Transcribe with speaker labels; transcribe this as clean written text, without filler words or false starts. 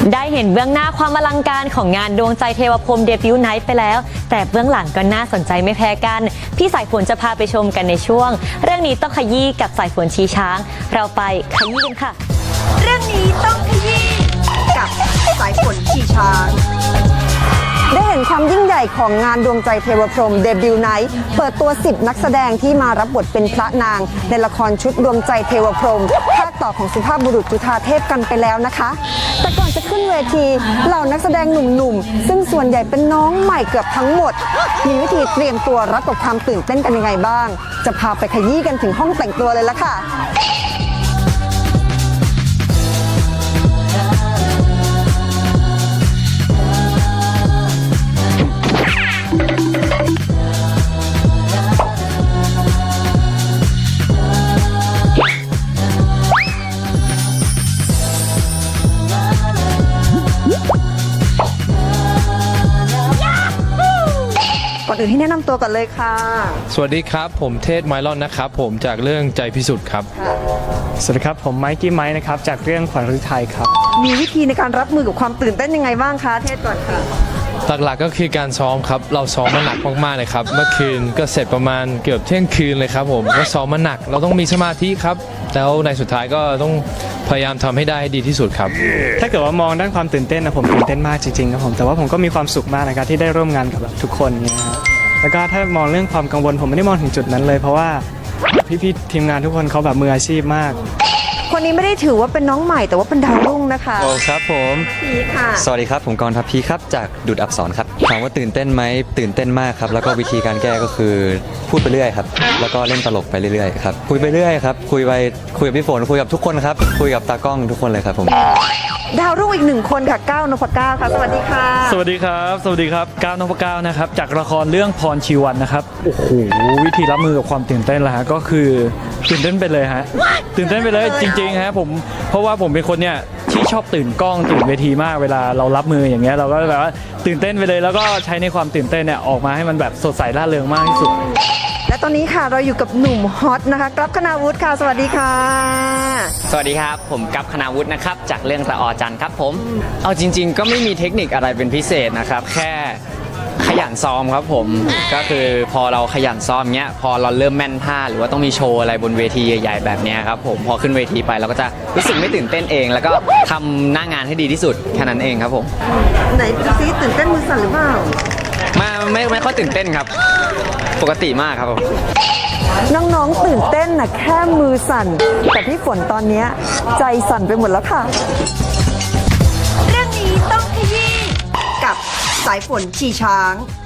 Speaker 1: ได้เห็นเบื้องหน้าความอลังการของงานดวงใจเทวพรหมเดบิวต์ไนท์ไปแล้วแต่เบื้องหลังก็น่าสนใจไม่แพ้กันพี่สายฝนจะพาไปชมกันในช่วงเรื่องนี้ต้องขยี้กับสายฝนชี้ช้างเราไปขยี้กันค่ะ
Speaker 2: เรื่องนี้ต้องขยี้กับสายฝนขี่ช้างได้เห็นความยิ่งใหญ่ของงานดวงใจเทวพรหมเดบิวต์ไนท์เปิดตัว10นักแสดงที่มารับบทเป็นพระนางในละครชุดดวงใจเทวพรหมภาคต่อของสุภาพบุรุษจุฑาเทพกันไปแล้วนะคะแต่ก่อนจะขึ้นเวทีเหล่านักแสดงหนุ่มๆซึ่งส่วนใหญ่เป็นน้องใหม่เกือบทั้งหมดมีวิธีเตรียมตัวรับกับความตื่นเต้นกันยังไงบ้างจะพาไปขยี้กันถึงห้องแต่งตัวเลยละค่ะก่อนอื่นให้แนะนำตัวกันเลยค่ะ
Speaker 3: สวัสดีครับผมเทศไมลอนนะครับผมจากเรื่องใจพิสุทธิ์ครับ
Speaker 4: สวัสดีครับผมไมกี้ไมค์นะครับจากเรื่องขวัญฤทัยครับ
Speaker 2: มีวิธีในการรับมือกับความตื่นเต้นยังไงบ้างคะเทศก่อนค่ะ
Speaker 3: หลักๆก็คือการซ้อมครับเราซ้อมมาหนักมากๆเลยครับเมื่อคืนก็เสร็จประมาณเกือบเที่ยงคืนเลยครับผมก็ซ้อมมาหนักเราต้องมีสมาธิครับแล้วในสุดท้ายก็ต้องพยายามทำให้ได้ให้ดีที่สุดครับ
Speaker 4: ถ้าเกิดว่ามองด้านความตื่นเต้นนะผมตื่นเต้นมากจริงๆครับผมแต่ว่าผมก็มีความสุขมากนะครับที่ได้ร่วมงานกับทุกคนเนี่ยครับแล้วก็ถ้ามองเรื่องความกังวลผมไม่ได้มองถึงจุดนั้นเลยเพราะว่าพี่ๆทีมงานทุกคนเขาแบบมืออาชีพมาก
Speaker 2: คนนี้ไม่ได้ถือว่าเป็นน้องใหม่แต่ว่าเป็นดาวรุ่งนะคะ
Speaker 5: โอ้ครับผม
Speaker 2: พีค่ะ
Speaker 5: สวัสดีครับผมกรณ์ทัพพีครับจากดุจอักษรครับถามว่าตื่นเต้นไหมตื่นเต้นมากครับแล้วก็วิธีการแก้ก็คือพูดไปเรื่อยครับแล้วก็เล่นตลกไปเรื่อยๆครับคุยไปเรื่อยครับคุยกับพี่ฝนคุยกับทุกคนครับคุยกับตากล้องทุกคนเลยครับผม
Speaker 2: ดาวรุ่งอีกหนึ่งคนค่ะก้าวนพก้าวค่ะสวัสดีค่ะ
Speaker 4: สวัสดีครับสวัสดีครับก้าวนพก้าวนะครับจากละครเรื่องพรชีวันนะครับโอ้โหวิธีรับมือกับความตื่นเต้นละฮะก็คือตื่นเต้นไปเลยฮะตื่นเต้นไปเลยจริงๆฮะผมเพราะว่าผมเป็นคนเนี่ยที่ชอบตื่นกล้องตื่นเวทีมากเวลาเรารับมืออย่างเงี้ยเราก็แบบว่าตื่นเต้นไปเลยแล้วก็ใช้ในความตื่นเต้นเนี่ยออกมาให้มันแบบสดใสร่าเริงมากที่สุด
Speaker 2: และตอนนี้ค่ะเราอยู่กับหนุ่มฮอตนะคะกัปคณาวุฒิค่ะสวัสดีค่ะ
Speaker 6: สวัสดีครับผมกัปคณาวุฒินะครับจากเรื่องละออจันทร์ครับผมเอาจริงๆก็ไม่มีเทคนิคอะไรเป็นพิเศษนะครับแค่ขยันซ้อมครับผมก็คือพอเราขยันซ้อมเงี้ยพอเราเริ่มแม่นท่าหรือว่าต้องมีโชว์อะไรบนเวทีใหญ่ๆแบบนี้ครับผมพอขึ้นเวทีไปเราก็จะรู้สึกไม่ตื่นเต้นเองแล้วก็ทำหน้างานให้ดีที่สุดแค่นั้นเองครับผม
Speaker 2: ไหนซีตื่นเต้นมือสั่นหรือเปล่า
Speaker 6: ไม่ค่อยตื่นเต้นครับปกติมากครับผม
Speaker 2: น้องๆตื่นเต้นนะแค่มือสั่นแต่พี่ฝนตอนนี้ใจสั่นไปหมดแล้วค่ะเรื่องนี้ต้องขยี้กับสายฝนขี่ช้าง